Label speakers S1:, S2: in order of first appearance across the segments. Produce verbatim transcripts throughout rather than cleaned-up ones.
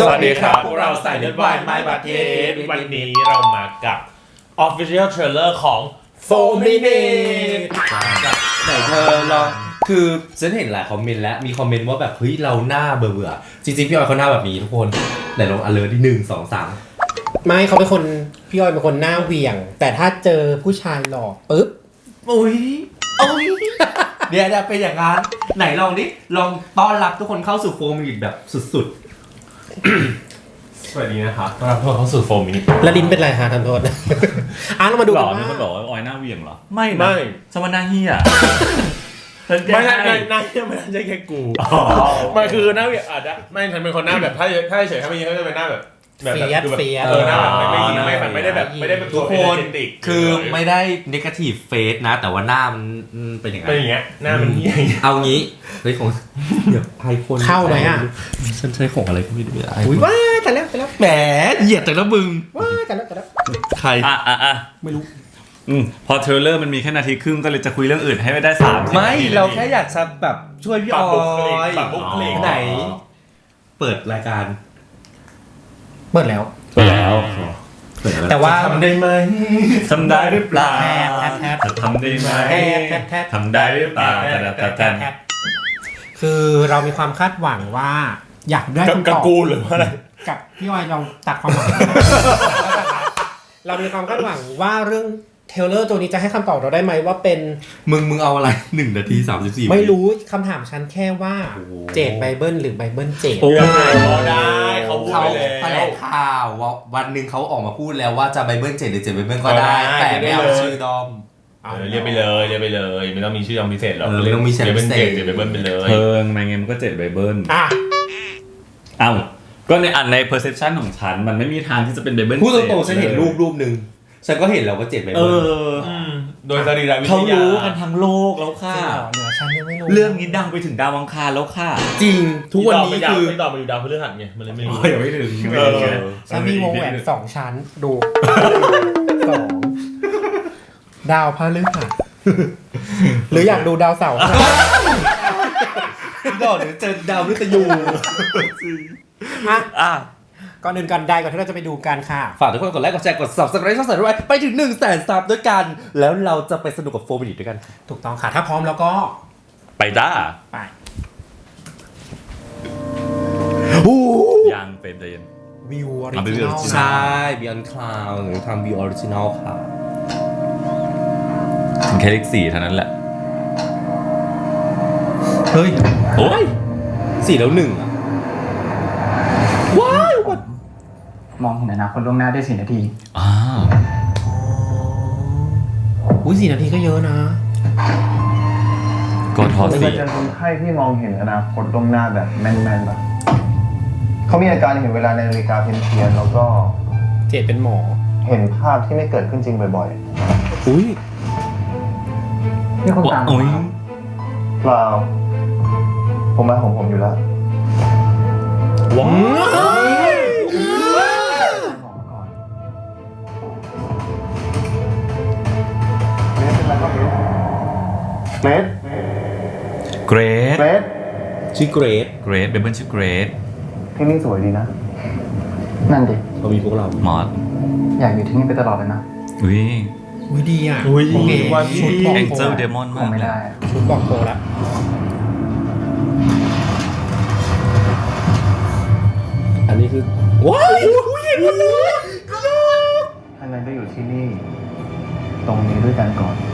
S1: สวัสดีครับพวกเราสายเลือดวายไม้บาเทสวันนี้เรามากับ Official Trailer ของโฟร์ Minutes
S2: ไหนเธอลองคือฉันเห็นหลายคอมเมนต์แล้วมีคอมเมนต์ว่าแบบเฮ้ยเราหน้าเบื่อๆจริงๆพี่ออยเขาหน้าแบบนี้ทุกคนไหนลอง alert ที่หนึ่งสองสาม
S3: ไม่เขาเป็นคนพี่ออยเป็นคนหน้าเหวี่ยงแต่ถ้าเจอผู้ชายหล่อปุ๊บ
S2: อุ้ยอุ้ยเดี๋ยวจะเป็นอย่างนั้นไหนลองดิลองต้อนรับทุกคนเข้าสู่โฟร์มินิทแบบสุดๆ
S1: สวัสดีนะครับต้อนรับทุกคนเข้าสู่โฟร์ Minutes
S3: แล้วลิ้นเป็นไรฮะทันโทษอ่ะเรามาดูกันว่า
S4: มีคนบอกว่าออยหน้าเวียงเหรอ
S1: ไม่ไม่
S4: สมนาเฮีย
S1: ไม่ใช่หน้าเฮียไม่ใช่แค่กูมันคือหน้าอาจจะไม่ฉันเป็นคนหน้าแบบถ้าถ้าเฉยถ้าไม่ยิงก็จะเป็นหน้าแบบ
S3: เฟียสเฟียส
S1: เออหน้าแบบไม่ยิงไม่ไม่ได้แบบไม่ได้เป็น
S2: ทุกคนคือไม่ได้ negative face นะแต่ว่าหน้ามันเป็นอย่างไร
S1: เป็นอย่างเงี้ยหน้ามันเฮีย
S2: เอางี้เฮ้ยของเดี๋ยวไอโฟน
S3: เข้าไหมอ่ะ
S2: ฉันใช้ของอะไรก็ไม่รู้อ่ะ
S3: อุ้ยว้าแต่แล้วแต่แล้ว
S2: แหมเหยียดแต่ละมึง
S3: ว้าแต่แล้วแต่แล้ว
S2: ใคร
S4: อ่ะอ่ะอ่ะ
S2: ไม่รู้
S4: อืมพอเทรลเลอร์มันมีแค่นาทีครึ่งก็เลยจะคุยเรื่องอื่นให้ไม่ได้สาม
S2: ไม่เราแค่อยากจะแบบช่วยพี่ออยไหนเปิดรายการ
S3: เปิดแล้ว
S4: เปิดแล้ว
S3: แต่ว่า
S1: ทำได้ไหม
S4: ทำได้หรือเปล่า
S3: ทำได้ไหม
S4: ทำได้หรือเปล่า
S3: คือเรามีความคาดหวังว่าอยากได้คำตอบ
S1: กับกูหรือว่าอะไร
S3: กับพี่ออยเราตัดความหวังเรามีความคาดหวังว่าเรื่องเทเลอร์ตัวนี้จะให้คำตอบเราได้ไหมว่าเป็น
S2: มึงมึงเอาอะไรหนึ่งนาทีสามสิบสี่
S3: ไม่รู้คำถามฉันแค่ว่าเจดไบเบิลหรือไบเบิลเจด
S1: ได้เขาพูดไปแล้ว
S2: แถลงข่าววันหนึ่งเขาออกมาพูดแล้วว่าจะไบเบิลเจดหรือเจดไบเบิลก็ได้แต่ไม่เอาชื่อดอม
S1: เรียกไปเลยเรียกไปเลยไม่ต้องมีชื่อดอมพิเศษหรอก
S2: เรียกเจดเจด
S1: ไบเบิลไปเลย
S4: เพิ่งมาไงมันก็เจดไบเบิลอ่ะเอ้าก็ในอันใน perception ของฉันมันไม่มีทางที่จะเป็นไบเบิล
S2: พูดตรงๆฉันเห็นรูปรูปนึงฉันก็เห็นแล้วว่าเจ็ดไบเบิล
S1: โดยสรีระวิทยา
S4: เขารู้กันทั้งโลกแล้วค่ะ
S3: เหนือฉันยังไม่รู้
S4: เรื่องนี้ดังไปถึงดาวอังคารแล้วค่ะ
S2: จริงทุกวันนี้คือ
S1: ไม่ตอบมาอยู่ดาวพฤหัสไงมันเลยไม่รู้
S4: ยังไม่ถึง
S3: ฉันมีวงแหวนสองชั้นดูสองดาวพฤหัสหรืออยากดูดาวเสาร์
S2: ดอกหรือเจอดาวฤกษ์ยู
S3: อ่ะก่อนอื่นกันได้ก่อนที่เราจะไปดูกันค่ะ
S2: ฝากทุกคนกดไลค์กดแชร์กด Subscribe ช่องสายด้วยไปถึง หนึ่งแสน ซับด้วยกันแล้วเราจะไปสนุกกับโฟร์ Minutes ด้วยกัน
S3: ถูกต้องค่ะถ้าพร้อมแล้วก็
S4: ไปจ้า
S3: ไป
S4: ยังเป็นเดน
S3: วิวออริจินอล
S2: ใช่ Beyond Cloud หรือทำวิวออริจินอลค่ะ
S4: ถึงแค่เลขสี่เท่านั้นแหละ
S2: เฮ้ย
S4: โอ้ย
S2: สี่แล้วหนึ่งอ่ะว้าว
S5: มองเห็นอนาคตล่วงหน้าได้สี่นาที
S4: อ้าว
S3: อุ้ยสี่นาทีก็เยอะนะ
S4: ก็ทอสี่
S5: เป็นคนไข้ที่มองเห็นอนาคตล่วงหน้าแบบแม่นๆแบบเขามีอาการเห็นเวลาในนาฬิกาเพี้ยนๆแล้วก็
S3: เจดเป็นหมอ
S5: เห็นภาพที่ไม่เกิดขึ้นจริงบ่อย
S2: ๆอุ้ย
S5: นี่คนตามเปล่าผมมาของผมอยู่แล้ว
S2: ว้าว
S5: เกรด
S4: เกรด
S5: เกรด
S2: ชื่อเกรด
S4: เกรดเบเบิลชื่อเกรด
S5: ที่นี่สวยดีนะนั่นดิ
S2: เขามีพวกเรา
S4: มอส
S5: อยากอยู่ที่นี่ไปตลอดเลยนะ
S4: อุ้ย
S3: อุ้ยดีอ่ะ
S2: อุ้ย
S3: วันชุดบอก
S4: Angel Demon มาก
S5: ไม่ได้
S3: ชุดบอกโตแล้ว
S2: อันนี้คือว้าวเห็นมันเลย
S5: ท่านนั้นก็อยู่ที่นี่ตรงนี้ด้วยกันก่อน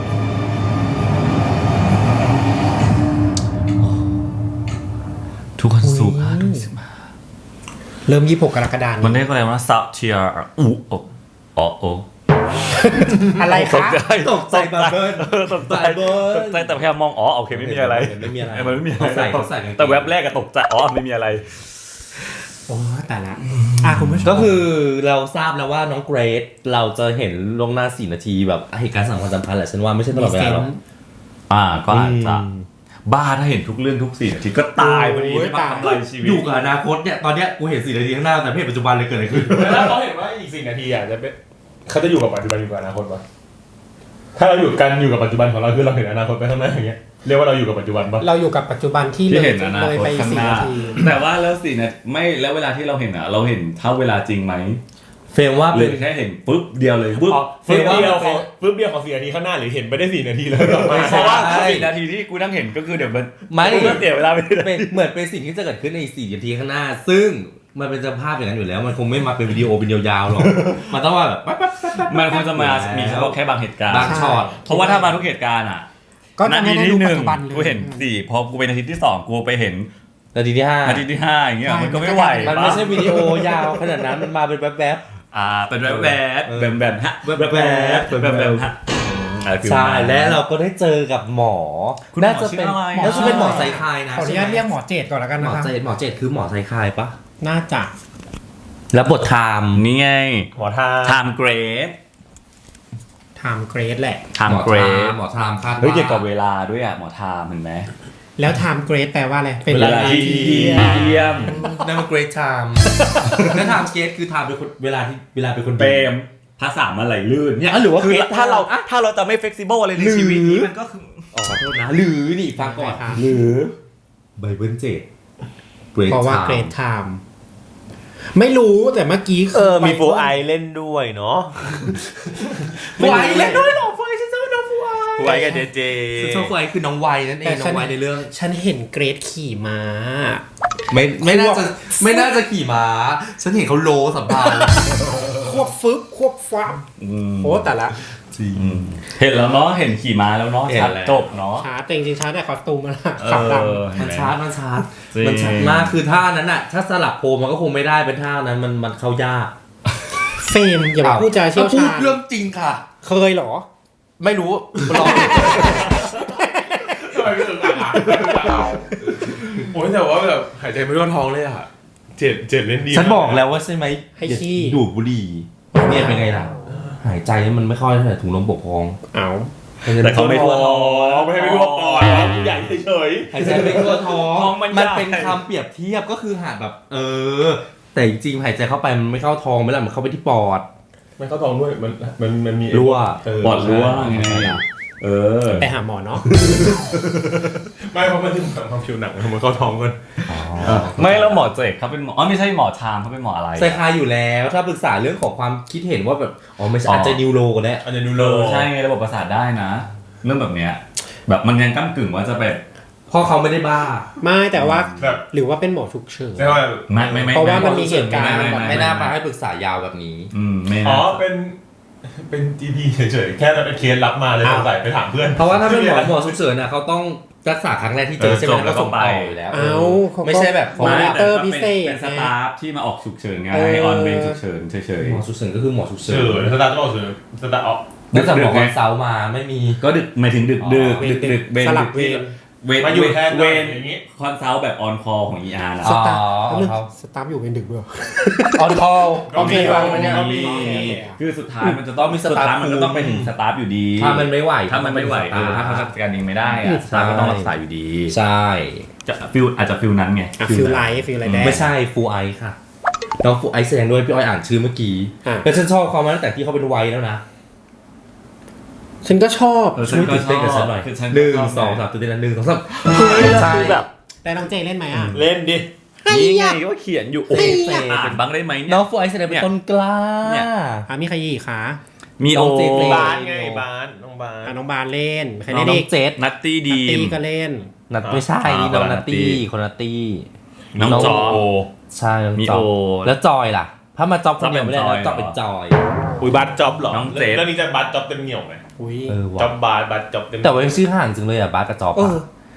S4: ทุกคนสูงห้าทุกสิบห้า
S3: เริ่มยี่สิบหกกรกฎาคม
S4: มันเรียกอะไรว่าซับเทียร์อู้โออ๋อโอ
S3: อะไรคะ
S2: ตกใจบับเบิ้ล
S4: ตกใจตกใจแต่พยายามมองอ๋อโอเคไม่มีอะไร
S2: ไม่มีอะไร
S4: มันไม่มีอะไร
S2: ใส่
S4: แต่แว็บแรกก็ตกใจอ๋อไม่มีอะไร
S3: โอ้แต่ละอ่ะคุณผู้ชม
S2: ก็คือเราทราบแล้วว่าน้องเกรดเราจะเห็นลงหน้าสี่นาทีแบบเหตุการณ์สำคัญสำคัญแหละฉันว่าไม่ใช่ตลอดเวลาหรอก
S4: อ่าก็อาจจะบ้าถ้าเห็นทุกเรื่องทุกสี่นาทีก็ตายพอดีไม่ทำอะไรชีวิต
S2: อยู่กับอนาคตเนี่ยตอนเนี้ยกูเห็นสี่นาทีข้างหน้าแต่ไม่เห็นปัจจุบันเลยเกิดอะไรขึ้น
S1: แล้วเขาเห็นว่าอีกสี่นาทีอ่ะจะเป็นเขาจะอยู่กับปัจจุบันอยู่กับอนาคตปะถ้าเราอยู่กันอยู่กับปัจจุบันของเราคือเราเห็นอนาคตไปข้างหน้าอย่างเงี้ยเรียกว่าเราอยู่กับปัจจุบันปะ
S3: เราอยู่กับปัจจุบันที่เล
S4: ที่
S3: ย
S4: เห็นอนา
S3: เลย
S4: คต
S3: ไป
S4: ข้าง
S3: สี่
S4: หน้า
S3: นาที
S4: แต่ว่าแล้วสี่นาทีไม่แล้วเวลาที่เราเห็นอ่ะ เราเห็นเท่าเวลาจริงไหม
S2: เฟรมว่า
S4: หรื
S2: เป็
S4: อน แค่เห็นปุ๊บเดียวเลยปุ๊บ
S1: ฟึบเดียวของฟึบเดียวของสี่นาทีข้างหน้าหรือเห็นไปได้สี่นาทีแล้วหรอ
S4: เพราะว่าสี่นาทีที่กูนั่งเห็นก็คือเดี๋ยวมัน
S2: ไม่
S4: กูก็เสียเวลาไปเลย
S2: เป็นเหมือนเป็นสิ่งที่จะเกิดขึ้นในสี่นาทีข้างหน้า ซึ่งมันเป็นสภาพอย่างนั้นอยู่แล้ว มันคงไม่มาเป็นวิดีโอเป็นยาวๆหรอกมันต้องว่าแบบปั๊บปั๊บปั๊บปั๊บ
S4: มันคงจะมามีเฉพาะแค่บางเหตุการณ์
S2: บางช็อต
S4: เพราะว่าถ้ามาทุกเหตุการณ์อ่ะ
S3: ก็จะ
S4: นา
S3: ไม่
S4: ที
S3: ได้
S4: ที่
S3: ดู
S4: ห
S3: ปัจ
S4: นึ่ง
S3: จุบันเลย
S4: กูเห็นสี่พอกูเป็นนาทีที่สองกูไปเห็น
S2: นาทีที่ห้า
S4: นาทีที่ห้าอย่างเงี้ยมันก็ไม่ไหว
S2: มันไม่ใช่วิดีโอยาวขนาดนั้นมันมาเป็นแป๊บ
S4: อ่าเป็นแบบแบบแบบแบบฮะ
S2: แบบแบบแบบ
S4: แบบฮะ
S2: ๆใช่และเราก็ได้เจอกับหมอ
S4: คุณหมอ
S2: น่าจะเป็น
S4: ชื่ออะไร
S2: น่าจะเป็นหมอไซคายนะ
S3: ขออนุญาตเรียกหมอเจตก่อนแล้วกัน
S2: หม
S3: นะ
S2: อ
S3: คะ
S2: เจดหมอเจดคือหมอไซคายปะ
S3: น่าจะ
S2: แล้วบทไทม์
S4: นี่ไง
S1: หมอทา
S4: time grace
S3: time grade แหละ
S4: time
S2: หมอไท
S4: grace
S2: ม์หมอไทม์คาดว่า
S4: เฮ้ยเกี่ยวกับเวลาด้วยอ่ะหมอ time เห็นไหม
S3: แล้ว time grade แปลว่าอะไรเป็น
S4: เวลาที่เยี่ยม
S2: นั่นมันเกรทไทม์แล้วไทม์เกรทคือไทม์เป็นคนเวลาที่เวลาเป็นคน
S4: เปรมภาษามันไหลลื่น
S2: เนี่ยหรือว่า
S4: คือ
S2: great
S4: ถ้าเรา
S2: time
S4: ถ้าเราจะไม่ flexible อะไรในชีวิตนี้มันก็คือ
S2: อ๋อขอโทษนะ หรือนี่ฟังก่อน หรือไบเบิลเจด
S3: เพราะว่า grade time ไม่รู้แต่เมื่อกี้
S1: เออมีฟูไอเล่นด้วยเนาะ
S2: ฟูไอเล่นด้วยหรอฟูไอฉันชอบน้องฟูไอ
S1: ฟูไอกับเจเจ
S2: ฉันชอบฟูไอคือน้องไวนั่นเองน้องไวในเรื่อง
S3: ฉันเห็นเกรดขี่ม้า
S2: ไม่ไม่น่าจะไม่น่าจะขี่ม้า ฉันเห็นเขาโลสัมภาระ
S3: ควบฟึบควบฟับโอ้แต่ละ
S2: จริง
S4: เห็นแล้วเนาะเห็นขี่ม้าแล้วเนาะ
S2: เห็น
S4: ชัด
S2: แล้ว
S4: จบเนาะ
S3: ชาร์จแต่จริงๆชาร์จแต่คอสตูมมัน
S4: เอ
S3: ขับดัง
S4: อเห็
S2: มัน
S4: ไห
S2: ชาร์จมันชาร์จ
S4: จริง
S2: มันชาร์จมากคือท่านั้นน่ะ ถ้าสลับโพลมันก็คงไม่ได้เป็นท่านั้นมันมันเข้ายาก
S3: เฟรมอย่ามาพูดจาเชี่ยว
S2: พู
S3: ชา
S2: ด
S3: ญ
S2: เรื่องจริงค่ะ
S3: เคยเหรอ
S2: ไม่รู้ลอง
S1: ทำไมไม่ถึงอ่ะโอ้ยแต่ว่าแบบหายใจไม่ทั่วท้องเลยอ่ะเจ็ดเจ็ดเล่นดี
S2: ฉันบอกแล้วว่าใช่ไหม
S3: ให้ขี้
S2: อย่าดูดบุหรี่เนี่ยเป็นไงล่ะ หายใจมันไม่ค่อยเท่าไหร่ถุงลมปกพอง
S3: เอา
S4: แต่เขาไม่ทั่วท้อง
S1: ไม่ให้ไม่ทั่วปอดใหญ่เฉย
S2: หายใจไม่ทั่วท้อง
S4: ท้องมัน
S2: มัน
S4: ใหญ่
S2: เป็นคำเปรียบเทียบก็คือหาดแบบ เออ แต่จริงๆหายใจเข้าไปมันไม่เข้าท้องไม่ละมันเข้าไปที่ปอด
S1: ไม่เข้าท้องด้วยมันมันมันมี
S2: รั่ว
S4: ปอดรั่วไงเออ
S3: ไปหาหมอเนาะ
S1: ไม่เพราะมันถึงความผิวหนังมันเข้าท้องกัน
S4: ไม่แล้วหมอเจกเขาเป็นหมออ๋อไม่ใช่หมอชามเขาเป็นหมออะไร
S2: ไซคายอยู่แล้วถ้าปรึกษาเรื่องของความคิดเห็นว่าแบบอ๋อไม่ใช่อาจจะนิวโรก็ได้
S1: อันนี้ดู
S4: เอ
S1: โล
S4: อใช่ไงระบบประสาทได้นะ เรื่องแบบเนี้ยแบบมันยังก้ากึ่งว่าจะแบบ
S2: เพราะเขาไม่ได้บ้า
S3: ไม่แต่ว่า
S1: แบบ
S3: หรือว่าเป็นหมอฉุกเฉิน
S1: ใช่ว่า
S4: ไม่ไม่ไม่
S3: เพราะว่ามันมีเหตุการณ์
S4: ไม่ไม่
S2: ไม่น่ามาให้ปรึกษายาวแบบนี้
S4: อืมไม่
S1: อ๋อ
S4: นะ
S1: เป็นเป็นจีพีเฉยๆแค่เราเป็นเคสรับมาเลยสงสัยไปถามเพื่อน
S2: เพราะว่าถ้าเป็นหมอหมอฉุกเฉินน่ะเขาต้องรักษาครั้งแรกที่เจอใช่ไหมแล้วก็ส่งต่ออยู่แล้ว
S3: เอาเขาก็
S2: ไม่ใช่แบบ
S3: มอนิเตอร์พิเศษ
S4: เป็นสตาฟที่มาออกฉุกเฉินไง
S3: เออ
S4: ให้ออนเวรฉุกเฉินเฉย
S2: หมอฉุกเฉินก็คือหมอฉุกเฉิ
S1: เฉยสตาร์ทก็เฉยสตาร์ทออก
S2: เนื่องจากหมอคอนซัลท์มาไม่มี
S4: ๆก็ดึกหมายถึงดึกดึกดึกดึกเวร
S3: สลับเวร
S4: เวร
S1: มาอยู่แทน
S4: เวร
S1: อย่างนี้
S4: คอนซัลท์แบบออนคอของ อี อาร์ นะ
S2: อ๋อ
S3: สตาร์
S2: อ๋อ
S3: ทสตาร์ทอยู่เป็นดึกด้วย
S2: ออนคอล
S1: ก็มี
S2: ฟังมันเนี่ย
S1: ก็มี
S4: คือสุดท้ายมันจะต้อง
S2: มีส
S4: สุด
S2: ตาฟ
S4: ท้ายมันก็ต้องไปถึงสตาฟอยู่ดี
S2: ถ้ามันไม่ไหว
S4: ถ้ามันไม่ไหวเออถ้าเขาจัดการเองไม่ได้อะสตาฟก็ต้องรักษาอยู่ดี
S2: ใช่
S4: จะฟิลอาจจะฟิลนั้นไง
S3: อ่ะฟิลไลท์ฟิลไลท์แดง
S2: ไม่ใช่ฟูไอซ์ค่ะน้องฟูไอซ์แสดงด้วยพี่อ้อยอ่านชื่อเมื่อกี้
S3: อ่ะ
S2: แล้วฉันชอบเขามาตั้งแต่ที่เขาเป็นวัยแล้วนะ
S3: ฉันก็ชอบ
S4: เออฉั
S2: ช่
S4: น
S2: วย
S4: ก็
S2: ตื่น
S4: ช
S2: เต้นกับฉั
S4: อน บ
S2: หน่อย
S4: คือฉัน
S2: หนึ่ง
S4: ก็ชบ
S2: สองสามตื่นเต้นนะหนึ่งสองสาม
S1: ใช่แบบ
S3: ได้น้องเจเล่นไหมอ่ะ
S1: เล่นดิ
S4: นี่ไงก็เขียนอยู่โอ้ยอ่านบ้างได้ไหมเนี่ย
S2: น้องฟูไอซ์แสดงเป็นต้นกล้า
S4: เนี่ย
S3: อ่ะมีใครอีกคะ
S4: มีโอ
S2: น้องเจเจ
S1: บานไงบานน้องบาน
S3: อ่ะน้องบานเล่นใคร
S2: น้อ
S3: เล่
S2: ง
S3: นอีก
S2: เจษ
S4: นัตตี้ดี
S3: ตี
S4: ม
S3: ก็เล่น
S2: นัดไม่ใช่
S4: อ่า
S2: นี่น้อง
S4: คนละ
S2: นัตตี้
S4: นัตตี้
S2: คนนัตตี้
S4: น้องจอโอ
S2: ใช่น้อง
S4: มี
S2: จอ
S4: โอ
S2: แล้วจอยล่ะ ถ้ามาจอบคนเดียวไม่ได้
S4: จอ
S2: นะ
S4: ย
S2: จอบเป็นจอย
S1: อุ้ยบัตจ็อบหรอ
S4: น้องเจฟ
S1: แล้วนี่จะบัตจ็อบเต็มเหนียวไหม
S3: อุ้ย
S2: เออ
S1: จ็อ
S2: ว่ะ
S1: บบาทบัตจ็อบเต็ม
S2: แต่ว่ายังชื่อห่างจังเลยอ่ะบาสกับจอบ
S3: เอ
S2: อะ
S3: อ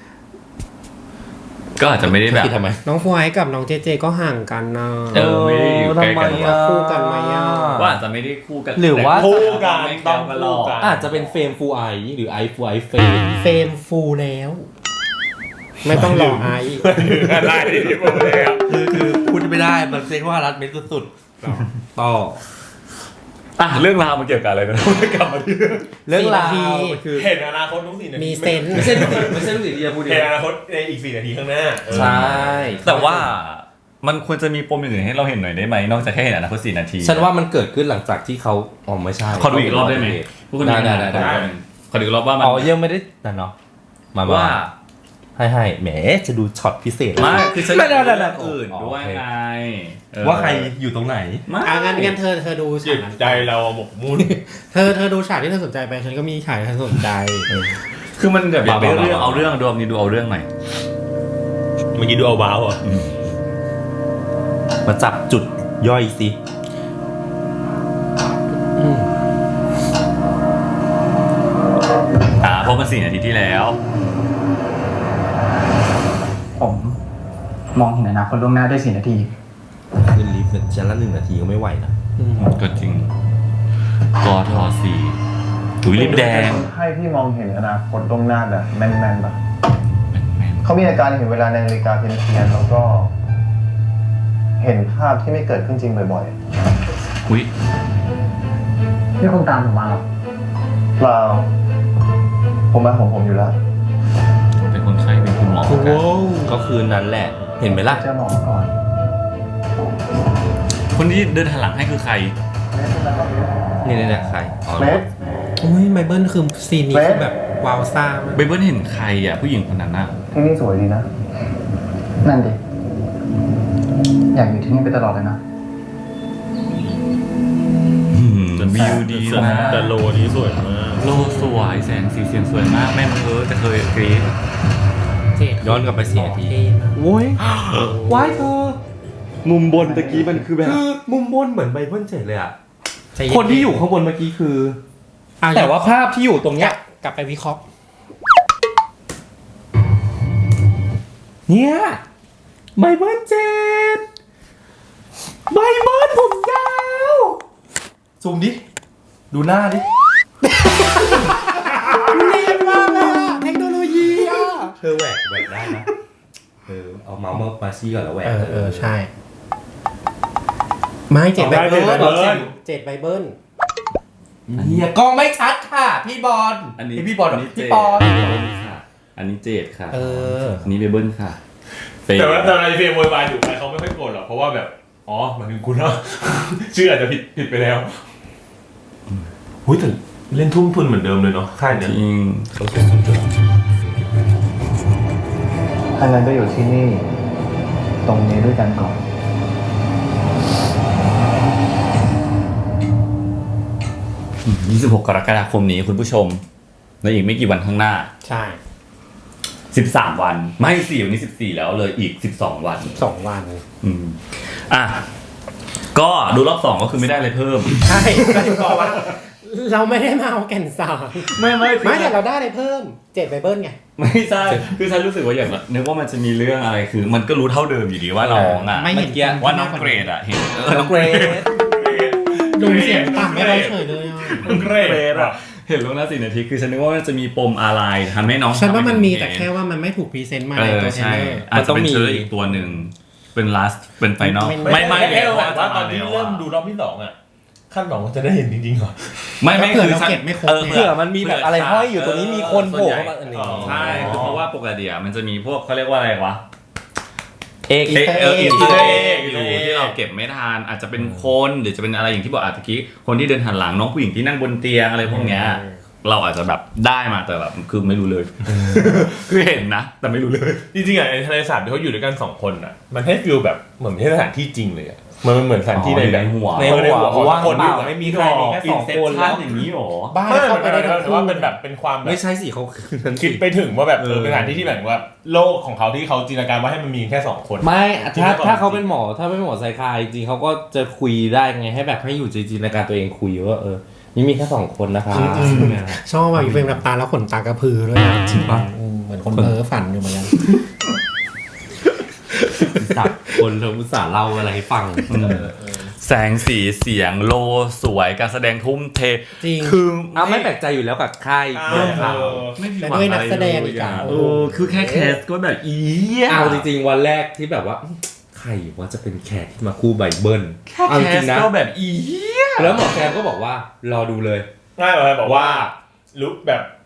S4: ก็อาจจะไม่ได้แบบ
S2: คิดทำไม
S3: น้องฟวยกับน้องเจเจก็ห่างกันนะ
S4: เออไม่ได้อยู่ใกล้กัน
S2: ทำไมอะ
S3: คู่กันไหมอะ
S4: ว่าอาจจะไม่ได้คู่กัน
S2: หรือว่า
S1: คู่กัน
S4: ไม่
S1: ต้
S4: ต้
S1: อ
S4: อง ง
S1: คู่
S4: หรอก
S1: กัน
S2: อาจจะเป็นเฟรมฟูไอหรือไอฟูไอเฟรม
S3: เฟรมฟูลแล้ว ไม่ต้องรอไอซ์
S1: อะไรที่ผมเลยครับ
S2: คือคือพูดไม่ได้มันเซ็กว่ารัดเม็ดสุดๆต่อ
S4: อ่ะเรื่องราวมันเกี่ยวกับอะไรนะกลับมาที่
S2: เรื่องราวมันคือ
S1: เห็นอนาคตทุกสี่นาที
S3: มีเซนส์
S2: ไม่ใช่ลูกศิษย์ไม่ใช่ลูกศิษย์ที่จะพูดเอ
S1: เห็น
S2: ง
S1: อนาคตในอีกสี่นาทีข้างหน้าเออ
S2: ใช่
S4: แต่ว่ามันควรจะมีปมอื่นให้เราเห็นหน่อยได้ไหมนอกจากแค่เห็นอนาคตสี่นาที
S2: ฉันว่ามันเกิดขึ้นหลังจากที่เขาอ๋อไม่ใช่
S4: ขอดูอีกรอบได้ไหม
S2: ได้ได้ได้ได้
S1: ได้
S4: ขอดูรอบว่ามัน
S2: อ๋อยังไม่ได้นั่นเนาะมาว่า
S4: ว่า
S2: ให้ให้แหมจะดูช็อตพิเศษ
S4: ไม่คือฉัน
S2: ไม่ได้
S4: เรื่อง
S2: ไม่ได้
S4: อื่นด้วยไงเออ
S2: ว่าใครอยู่ตรงไหน
S4: ไม่
S3: อ่ะงั้นงั้นเธอเธอดู
S1: จิ
S3: ฉาก
S1: ต
S3: นั้น
S1: ใจเราหมกมุ่น
S3: เธอเธอดูฉากที่เธอสนใจไปฉันก็มีฉากที่ฉันสนใจ
S4: คือมันแบบอยากไป
S2: บ้าๆ
S4: เรื่องเอาเรื่องดวงนี้ดูเอาเรื่องหน่อย
S1: เมื่อกี้ดูเอาบ้าวอ่ะ
S2: มาจับจุดย่อยสิ
S4: อ่าเพราะมันสี่นาทีที่แล้ว
S6: ผมมองเห็นอนาคตล่วงหน้าได้สี่นาที
S2: ขึ้นลิฟต์ชั้นละหนึ่งนาทีก็ไม่ไหวนะ
S4: ก็จริงกอทอสี่ถุยลิปแดง
S5: ให้ที่มองเห็นอนาคตล่วงหน้าแบบแม่นๆแบบเขามีอาการเห็นเวลาในนาฬิกาเพี้ยนๆแล้วก็ เห็นภาพที่ไม่เกิดขึ้นจริงบ่อย
S4: อุ้ย
S6: ที่คงตามผมมาหรอ
S5: ๆเปล่าผมมาของผมอยู่แล้ว
S4: เป็นคนไข้เป็นคุณหมอกัน
S2: ก็คืนนั้นแหละ เห็นไหมล่ะ
S6: เจอหมอมาก่อน
S4: คนที่เดินหันหลังให้คือใคร
S2: นี่นี่แหละใครอ๋อ
S5: เฟส
S3: อุ้ยไมเบิลคือซีนนี้คือแบบว้าวซ่ามาก
S4: เบเบิลเห็นใครอ่ะผู้หญิงคนนั้นน่ะ
S5: ที่นี่สวยดีนะ
S6: นั่นดิ อยากอยู่ที่นี่ไปตลอดเลยนะ
S4: อืมวิวดีมาก
S1: แต่โลนี้สวยมาก
S4: โลสวยแสงสีเสียงสวยมากแม่มึงเออแต่เคยกรี๊ด
S3: เจ็ด
S2: ย้อนกลับไปสี่นาที
S3: เท่มาก
S2: โว้ยว้ายเธอ
S4: มุมบนตะกี้มันคือแบบ
S2: คือมุมบนเหมือนไบเบิลเฉยเลยอ่ะ
S3: ใจเย็
S2: คนที่อยู่ข้างบนเมื่อกี้คือ
S3: อ่ะ
S2: แต่ว่าภาพที่อยู่ตรงเนี้ย
S3: กลับไปวิเคราะห์
S2: เนี่ยไบเบิลเจ็ดไบเบิลผมยาวซูมดิ ดูหน้าดิ
S3: เนียนมากเลยอะเทคโนโลยีอ่ะ
S2: เธอแหวกแหวกได้นะ เออ เอาเมาส์มามาซี่ก่อนแล้วแหวก
S3: เออเออใช่ ไม่เจ็ดไบเบิล
S1: เอาได้เจ็ดไบเบิล
S3: เจ็ดไบเบิล
S2: เฮียกล้องไม่ชัดค่ะ พี่บอล
S4: อันนี้
S2: ไพี่บอล
S4: อันนี้
S2: พี่
S4: เจด
S2: ปอน
S4: ค่ะอันนี้เจดค่ะ
S3: เออ
S4: อันนี้เบเบิลค่ะเฟย์
S1: แต่ว่าแต่ในเฟรมโวยวายอยู่ไปเขาไม่ค่อยโกรธหรอกเพราะว่าแบบอ๋อหมายถึงคุณเนาะ ชื่ออาจจะผิดผิดไปแล้วหุ้ยแต่เล่นทุ่มทุนเหมือนเดิมเลยเนาะค่าย
S4: จ
S1: เนี้ย
S4: ริง
S1: เขาสุดๆเลย
S5: ถ้างั้นก็อยู่ที่นี่ ตรงนี้ด้วยกันก่อน
S4: ยี่สิบหกกรกฎาคมนี้คุณผู้ชมในอีกไม่กี่วันข้างหน้า
S3: ใช่
S4: สิบสามวันไม่สี่วันนี้สิบสี่แล้วเลยอีกสิบสองวัน
S3: สองวัน
S4: อืมอ่ะก็ดูรอบสองก็คือไม่ได้อะไรเพิ่ม
S3: ใช่ก็ถึงบอกว่า เราไม่ได้มาเอาแก่นสาร
S4: ไม่ไม่
S3: ไม่แต่เราได้อะไรเพิ่มเจ็ดไบเบิลไง
S4: ไม่ใช่คือฉันรู้สึกว่าอย่างนึกว่ามันจะมีเรื่องอะไรคือ มันก็รู้เท่าเดิมอยู่ดีว่าน้องอ่ะ
S3: ไม่เห็น
S4: ว่าน้องเกรดอ่ะเห็นเออน้อง
S2: เกรด
S3: ลุงเสียงต่ำไม่เราเฉยเลยอ่ะ
S1: เกรดอ่ะ
S4: เห็นลงหน้าสี่นาทีคือฉันนึกว่ามันจะมีปมอะไรทำให้น้อง
S3: ฉันว่ามันมี
S4: ทำให้
S3: แต่แค่ว่ามันไม่ถูกพรีเซนต์มา
S4: เอ
S3: ใน
S4: อ
S3: ตัวเทรล
S4: ใช่
S3: เลอร์
S4: อาจจะเป็นเชอร์อีกตัวหนึ่งเป็น last เป็นไฟนอล
S3: ไม่
S4: ไม่ไม่
S1: แค่
S4: เลย
S1: แบบว่าตอนนี้เริ่มดูรอบที่สองอ่ะขั้นสองจะได้เห็นจริงๆเหรอ
S4: ไม่ไม่
S3: เผื่อ
S4: คือ
S3: เรา
S4: ฉัน
S3: เก็บไม่ครบ
S4: เออ
S3: ไง
S2: เผื่อมันมีแบบอะไรห้อยอยู่ตรงนี้มีคนโผล่เข้ามาอันนี้
S4: ใช่คือเพราะว่าปกติอะมันจะมีพวกเขาเรียกว่าอะไรวะ
S2: เอก
S4: เอ
S3: Easter
S4: เออ
S3: egg
S4: อินสเตอร์เอ็ก
S1: Easter
S4: อยู่
S1: egg
S4: ที่เราเก็บไม่ทันอาจจะเป็นคนหรือจะเป็นอะไรอย่างที่บอกอาจจะกี้คนที่เดินหันหลังน้องผู้หญิงที่นั่งบนเตียงอะไรพวกเนี้ยเราอาจจะแบบได้มาแต่แบบคือไม่รู้เลย คือเห็นนะ แต่ไม่รู้เลย
S1: จริงๆอ่ะในทะเลสาบที่เขาอยู่ด้วยกันสองคนอ่ะมันให้ฟีลแบบเหมือนไม่ใช่สถานที่จริงเลยอ่ะมันเหมือนสถานที่ในแบบ
S4: ในหัว
S1: ในหัวของ
S2: ว่าง
S1: คน
S2: เป
S1: ที่
S2: ล่าไม่มีใครมีแค่สองคนแล้ว
S4: อย่างนี้หรอ
S3: บ้าน
S1: ไม่
S3: เข้าไปได้
S1: แต่
S3: ทั้ง
S1: ว่า
S3: คู่
S1: เป็นแบบเป็นความแบบ
S2: ไม่ใช่สิเขาคือนั้น
S1: คิ
S2: สิ
S1: ดไปถึงว่าแบบเออ
S2: เออ
S1: เป็นสถานที่ที่แบบว่าโลกของเขาที่เขาจินตนาการว่าให้มันมีแค่สองคน
S2: ไม่
S1: จริง
S2: ถ้า
S1: หรือเปล่า
S2: ถ้าเขาเป็นหมอถ้าเป็นหมอไซคายจริงๆเขาก็จะคุยได้ไงให้แบบให้อยู่จินตนาการตัวเองคุยว่าเออนี่มีแค่สองคนนะคะ
S3: ชอบว่าอยู่เป็นแบบตาแล้วขนตากระพือด้วยนะ
S2: จริงปะ
S3: อืมเหมือนคนเพ้อฝันอยู่เหมือนกัน
S2: สับคนเราอุตส่าห์เล่าอะไรให้ฟัง
S4: แสงสีเสียงโลสวยการแสดงทุ่มเท
S3: จริง
S4: คือ
S2: เอาไม่แปลกใจอยู่แล้วกับค่าย
S1: อ่า
S2: เรื่องข่าว
S4: ไม่ผิด
S3: และ
S4: หวัง
S3: ด้วย
S4: อะไร
S3: นักแสดงอีกอ่ะ
S4: เออคือแค่แคสก็แบบอีย
S2: เอาจริงๆวันแรกที่แบบว่าใครว่าจะเป็นแขกที่มาคู่ไบเบิล
S4: แค่
S2: เอาจ
S4: แค
S2: ริ
S4: ส
S2: งๆนะ
S4: ก็แบบอีย
S2: แล้วหมอแซมก็บอกว่ารอดูเลย
S1: ง่ายเลยบอกว่าลุกแบบ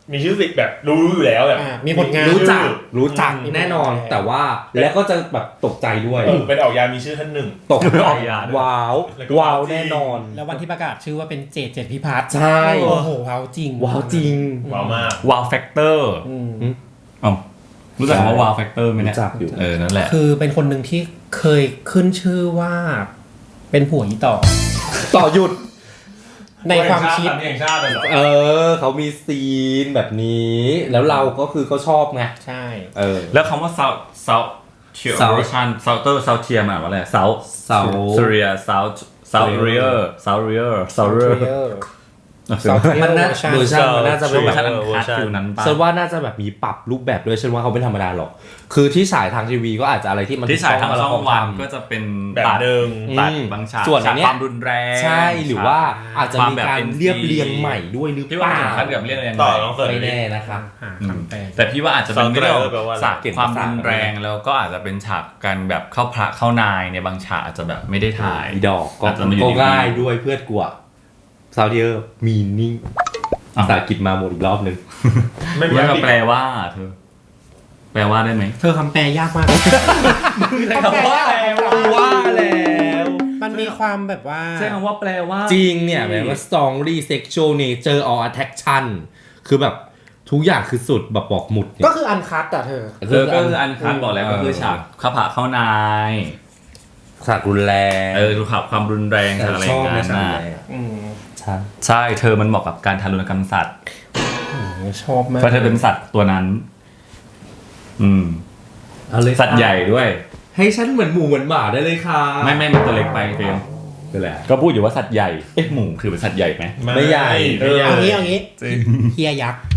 S1: มีชื่อสิแบบรู้อยู่แล้วแบบ
S3: อ่ามีผลงาน
S2: รู้จัก
S1: ชื่อ
S2: รู้จักแน่นอน แต่ว่าแล้วก็จะแบบตกใจด้วย
S1: เออเป็นออกยามีชื่อท่านหนึ่ง
S2: ตกใจ
S4: ออกยาด้วย
S2: ว้าว
S1: แล้วก็
S2: ว้าว
S1: จริง
S2: แน่นอน
S3: แล้ววันที่ประกาศชื่อว่าเป็นเจดเจดพิพัฒน์
S2: ใช่
S3: โอ้โหว้าวจริง
S2: ว้าวจริง
S1: ว้าวมาก
S4: ว้าวแฟกเตอร์
S3: อืม
S4: อ๋อรู้จักคำว่าว้าวแฟกเตอร์ไหมเนี่ย
S2: รู้จักอยู่
S4: เออนั่นแหละ
S3: คือเป็นคนหนึ่งที่เคยขึ้นชื่อว่า เป็นผัวอีต่อ
S2: ต่อหยุด
S3: ในความคิด
S1: แห่งชาติเลยเหรอ
S2: เออเขามีซีนแบบนี้ แล้วเราก็คือเขาชอบไง
S3: ใช่
S2: เออ
S4: แล้วคำว่า south south เทีย
S2: South
S4: ชัน south south เทียมาว่าอะไร south
S2: South
S4: Syria south south rear south rear south rear
S2: มันน่าเวอร์ชันมันน่าจะเป็น
S4: เวอ
S2: แบ
S4: ร์ชัน
S2: บ
S4: อันคัดฟิลนั้นป่ะ
S2: ฉันว่าน่าจะแบบมีปรับรูปแบบด้วยฉันว่าเขาไม่ธรรมดาหรอก คือที่ฉายทางทีวีก็อาจจะอะไรที่มัน
S4: ที่ฉายทางช่องวัน
S2: ทำ
S4: ก็จะเป็น
S1: แบบ
S4: ตัด
S1: เดิม
S4: ตัด
S2: อืม
S4: บางฉาก
S2: ส่วนอั
S4: ฉาน ก
S2: เนี้ย
S4: ความรุนแรง
S2: ใช่หรือว่าอาจจะมี
S4: ควแบบ
S2: การ
S4: เอ็นซี
S2: เรียบเรียงใหม่ด้วยหรือ
S4: พี่
S2: เป
S4: ว่า
S2: ล่า
S4: ถึงขั้นกับเรียบเรียง
S1: ต่อ
S4: ใหม่
S1: น้องเสิร์ฟ
S2: ไม่แน่นะครับ
S3: หาคำแปล
S4: แต่พี่ว่าอาจจะเป็นเรื่อง
S1: แปลว่าอะไร
S4: ฉากความรุนแรงแล้วก็อาจจะเป็นฉากการแบบเข้าพระเข้านายในบางฉากอาจจะแบบไม่ได้ถ่าย
S2: อีดอกก็
S4: อาจจะมาอยู่
S2: ก็
S4: ใน
S2: ง่ายด้วยเพื่อนกลัวซาวเดียร์มีนิ่งภาษาอังกฤษมาหมดอีกรอบนึง
S1: ไม่มี
S4: เรียก
S1: อั
S4: ว่าง
S1: กฤษ
S4: แปลว่าเธอ แปลว่าได้ไหม
S3: เธอคำแปลยากมาก
S2: คำว่าว่าแล้ว
S3: มันมีความแบบว่า
S4: ใช่คำว่าแปลว่า
S2: จริงเนี่ยแบบว่า strongly sexual nature or attraction คือแบบทุกอย่างคือสุดแบบบอกหมุดเนี่ย
S3: ก็คืออันคัดอะเธอ
S4: เธอก็คืออันคัดบอกแล้วก็คือฉากเข้าพระเข้านาย
S2: ฉากรุนแรง
S4: เออดูขับความรุนแรงฉากอะไรอย่าง
S2: ใน
S4: นั้น
S2: ฉาก
S4: นะ
S2: แรก
S3: อืม
S2: ใช่
S4: ใช่เธอมันเหมาะกับการทารุณกรรมสัตว์
S3: ชอบมาก
S4: เพราะเธอเป็นสัตว์ตัวนั้น อืม
S2: เอาเลย
S4: สัตว์ใหญ่ด้วย
S2: ให้ฉันเหมือนหมูเหมือนหมาได้เลยค่ะ
S4: ไม่ไม่มันตัวเล็กไปเฟรม
S2: คืออะไร
S4: ก็พูดอยู่ว่าสัตว์ใหญ่ เอ๊ะหมูคือเป็นสัตว์ใหญ่ไหม
S2: ไม่ใหญ่
S1: ไม่ใหญ่
S3: เอางี้เอางี้เฮียยักษ์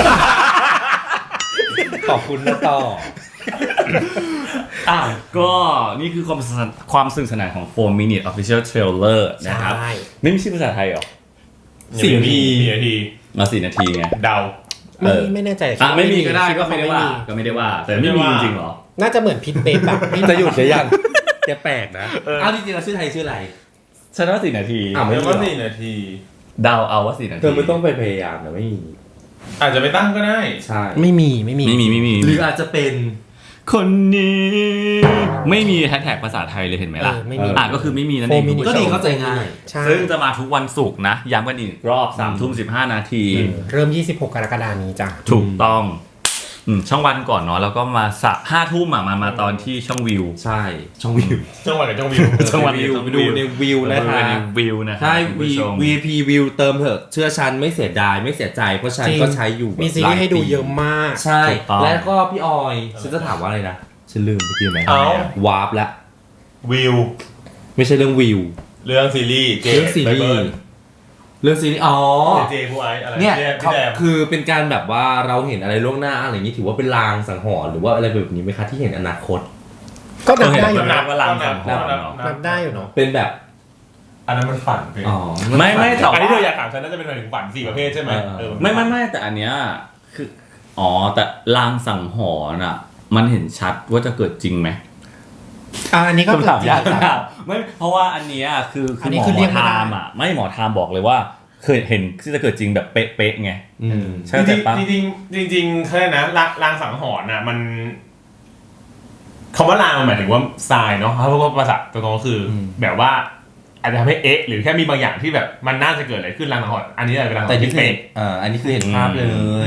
S2: ขอบคุณนะต่อ
S4: อ่ะก็นี่คือความสนความสนุกสนานของโฟร์ minute official trailer นะครับ
S3: ใช่
S4: ไม่มีชื่อภาษาไทยหรอ
S2: สี่นาที
S1: สี่นาที
S4: มาสี่นาทีไง
S1: เดา
S3: ไม่
S4: เออ
S3: ไม่แน่ใจ
S4: อ่ะไม่มีก็ได้
S3: คิ
S4: ก็ไม่ได้ว่า
S3: มี
S4: ก็ไม่ได้ว่า แต่ไม่มีจริงๆเหรอ
S3: น่าจะเหมือนพิทเบฟแบบไม่
S2: จะหยุดหรือยังแกแปลกนะเอาจริงๆเราชื่อไทยชื่ออะไร
S4: ฉันว่าสี่นาที
S2: อ่ะ
S1: เรียกว่าสี่นาที
S4: เดาเอาว่าสี่นาที
S2: เธอไม่ต้องไปพยายามนะไม่มี
S1: อาจจะไม่ตั้งก็ได้
S2: ใช่
S3: ไม่มีไม่มี
S4: ไม่มีไม่มี
S2: หรืออาจจะเป็น
S4: คนนี้ ไม่มีแฮชแท็กภาษาไทยเลยเห็นไหมล่ะ
S3: เออไม่มี
S4: อ่ะก็คือไม่มีนั่นเอง
S3: Four
S4: คุณ
S3: minute
S4: ผู้
S2: ก็
S4: ช
S2: ดี
S4: ม
S2: เข้าใจง่าย
S3: ใช่
S4: ซึ่งจะมาทุกวันศุกร์นะ ย้ำกันอีกรอบสามทุ่มสิบห้านาที
S3: เริ่มยี่สิบหกกรกฎาคมนี้จ้ะ
S4: ถูกต้องอืมช่องวันก่อนเนาะแล้วก็มาสะห้าทุ่มอ่ะมามาตอนที่ช่องวิว
S2: ใช่ช่องวิว
S1: จังหวัดกับจังหวิว
S4: ช่องวัน
S2: วิว
S4: ช่อง
S2: ไปดูในวิวนะ
S4: ไปดู
S2: คะ
S4: ในวิวนะ
S2: ใช่
S4: คุณ
S2: วี
S4: ผู้ชม
S2: วี พี วิวเติมเถอะเชื่อฉันไม่เสียดายไม่เสียใจเพราะฉัน
S3: จริง
S2: ก็ใช้อยู่แบบ
S3: มีซีรีส์ให้ดูเยอะมาก
S2: ใช่
S4: ถูกต้อง
S2: แล้วก็พี่ออยฉันจะถามว่าอะไรนะฉันลืมเมื่อกี้ไหม
S1: เอ้า
S2: วาร์ปละ
S1: วิว
S2: ไม่ใช่เรื่องวิว
S1: เรื่องซีรีส์เจ
S2: เรื่องซีรีส์
S1: ไบเบิล
S2: เรื่องซีรีส์อ๋อ
S1: เจผู้ไอซ์อะไร
S2: เนี่ย
S1: พี่
S2: เขา
S1: แดม
S2: คือเป็นการแบบว่าเราเห็นอะไรล่วงหน้าอะไรอย่างนี้ถือว่าเป็นลางสังหรณ์หรือว่าอะไรแบบนี้ไหมคะที่เห็นอนาคต
S3: ก็นับได้อยู่
S4: นั
S3: นะ
S4: บว่าลางสังหรณ์
S1: นับ
S3: นับได้อยู่เนาะ
S2: เป็นแบบ
S1: อันนั้นมันฝันไป
S2: อ๋อ
S4: ไม่ไม่แต่
S1: อัน
S4: ว่า
S1: ที่เธออยากถามฉันน่าจะเป็นหมายถึงฝันสี่ประเภทใช่ไหม
S2: เออ
S1: เออ
S4: ไม่ไม่ไม่แต่อันเนี้ยคืออ๋อแต่ลางสังหรณ์อ่ะ มันเห็นชัดว่าจะเกิดจริงไหม
S3: อ่าอันนี้ก็
S4: คำถามยาก
S3: เกิดจริง
S4: มากไม่เพราะว่าอันเนี้ยคือ
S3: อั
S4: คื
S3: น
S4: อ
S3: นี้
S4: หมอ
S3: คือเรียกไม่
S4: ไท
S3: ได้
S4: ม์อ่ะไม่หมอไทม์บอกเลยว่าเคยเห็นที่จะเกิดจริงแบบเป๊ะๆไง
S2: อืม
S4: ใช่แต่ปะ
S1: จริงๆจริงๆจริงๆเขาเรียกนะลางลางสังหรณ์น่ะมันคำว่าลางมันหมายถึงว่าทรายเนาะเพราะว่าภาษาตัวตรงก็คืออ
S2: ม
S1: แบบว่าอาจจะทำให้เอ๊ะหรือแค่มีบางอย่างที่แบบมันน่าจะเกิดอะไรขึ้นลางสังหรณ์อันนี้อาจจะเป็นลางสังห
S2: แต่
S1: รณ์
S2: นี่
S1: ที่
S2: คือ
S1: เป๊ะ
S2: อ่าอันนี้คือเห็นภาพเลย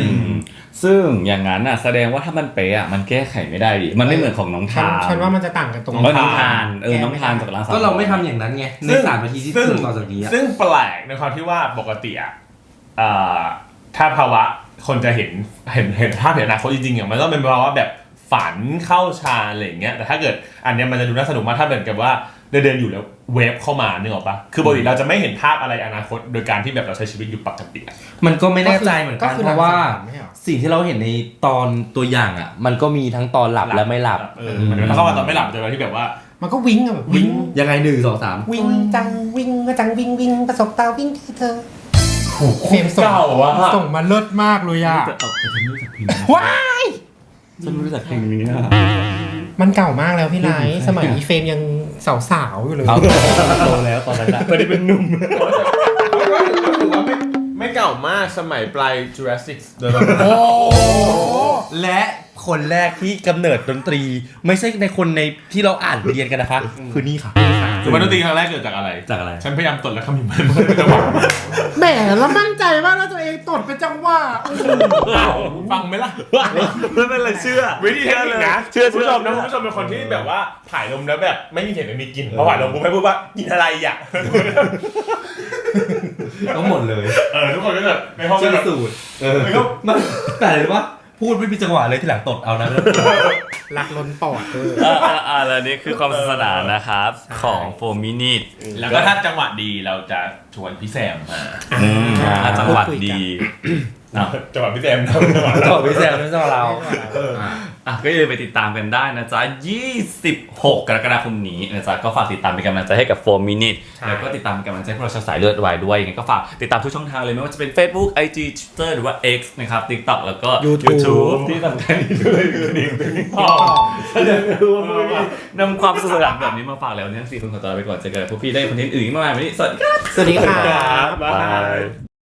S4: อืมซึ่งอย่างนั้นอ่ะแสดงว่าถ้ามันเป๊ะอ่ะมันแก้ไขไม่ได้ดิมันไม่เหมือนของน้อง
S3: ฉัน
S4: ทาน
S3: ฉันว่ามันจะต่างกันตรง
S4: เออน้องทานเออน้องทานจากลางสังหรณ์
S2: ก็เราไม่ทำอย่างนั้นไงในสามนาทีที่
S1: ซึ่ง
S2: ถึงต่อจากนี้อะ
S1: ซึ่งแปลกในความที่ว่าปกติอ่ะเอ่อถ้าภาวะคนจะเห็นเห็นเห็นภาพเห็นอนาคตจริงๆอ่ะมันต้องเป็นภาวะแบบฝันเข้าฌานอะไรอย่างเงี้ยแต่ถ้าเกิดอันเนี้ยมันจะดูน่าสนุกมากถ้าเหมือนกับว่าเดินเดินๆอยู่แล้วเวฟเข้ามานึกออกปะคือปกติเราจะไม่เห็นภาพอะไรอนาคตโดยการที่แบบเราใช้ชีวิตอยู่ปกติอะ
S2: มันก็ไม่แน่ใจเหมือนกัน
S3: คือ
S2: เพราะว่า
S3: ลงสังหรณ์ไม่ใช่เหรอ
S2: สิ่งที่เราเห็นในตอนตัวอย่างอ่ะ มันก็มีทั้งตอนหลับและไม่หลับ
S1: เออเหมือนถ้าเข้ามาตอนไม่หลับจะเป็นที่แบบว่า
S3: มันก็วิ่งอะแบบวิ่ง
S2: ยังไงหนึ่งสองสาม
S3: วิ่งจังวิ่งก็จังวิ่งวิ่งประสบตาวิ่งที่เธอเฟรมส่ง
S1: เก่าวะ
S3: ส่งมาเลิศมากเลยอ่ะ
S4: จะเอาแต่ฉันไม่รู้จักเพลงนี้
S3: ว้าย
S4: ฉันไม่รู้จักเพลงนี้อะ
S3: มันเก่ามากแล้วพี่ไลท์สมัยอีเฟรมยังสาวๆอยู่เลย
S2: เอาโตแล้วตอนนั้นอะ
S4: ไม่ได้เป็นหนุ่ม
S1: ก็ถือว่าไม่ไม่เก่ามากสมัยปลาย Jurassic โดยประ
S3: โอ้
S2: และคนแรกที่กำเนิดดนตรี ไม่ใช่ในคนในที่เราอ่านเรียนกันนะคะ คือนี่ค่ะ
S1: คือมันดนตรีครั้งแรกเกิดจากอะไร
S2: จากอะไร
S1: ฉันพยายามตดแล้วคำพิมพ์มันไม่จังหวะ
S3: แหมแล้วมั่นใจมากว่าตัวเองตดเป็นจังหวะ
S1: ฟังไหมล่ะ
S4: ไม่เป็นไรเชื่อ
S1: วิธีเทคนิคนะ
S4: เชื่อ
S1: คุณผู้ชมนะคุณผู้ชมเป็นคนที่แบบว่าถ่ายลมแล้วแบบไม่มีเสียงไม่มีกลิ่นพอถ่ายลมกูไม่พูดว่ากินอะไรอ่ะ
S2: ต้องหมดเลย
S1: เออทุกคนก็แบบในห้องก็
S2: เชื่อ
S1: แบบ
S2: สูตรเออมันแต่อะไรรู้ปะพูดไม่มีจังหวะเลยที่หลังตดเอานะ
S3: รักล้นปอดเออ
S4: อ่าอ่าอ่าแล้วนี่คือความสนุกสนานนะครับ ของโฟมินิต
S1: แล้วก็ถ้าจังหวะดีเราจะชวนพี่แซมมา
S4: ถ้าจังหวัดดี
S1: อ่ะจังหวะพี่แซมนะจังหวะ
S2: ต่อพี่แซมนั่นต่อเรา
S4: อ่ะอ่ะก็อย่าลืมไปติดตามกันได้นะจ๊ะ ยี่สิบหก กรกฎาคมนี้นะจ๊ะ ก็ฝากติดตามเป็นกำลังใจให้กับโฟมินิต แล้วก็ติดตามเป็นกำลังใจให้พวกเราชาวสายเลือดวายด้วยยังไงก็ฝากติดตามทุกช่องทางเลยไม่ว่าจะเป็น Facebook ไอ จี Twitter หรือว่า X นะครับ TikTok แล้วก็
S3: YouTube
S4: YouTube ที่สำคัญที่สุดเลยคือดิ่งติ๊กต็อกเดี๋ยวดูว่ามึงนำความสนุกสนานแบบนี้มาฝากแล้วเนี่ยทั้งสี่คนขอตัวลาไปก่อนเจอกันพวกพี่ได้คอนเทนต์อื่นอีกมากมายวันนี้สวัสดีครับ
S3: สวัสดีค่ะ
S1: บ๊ายบาย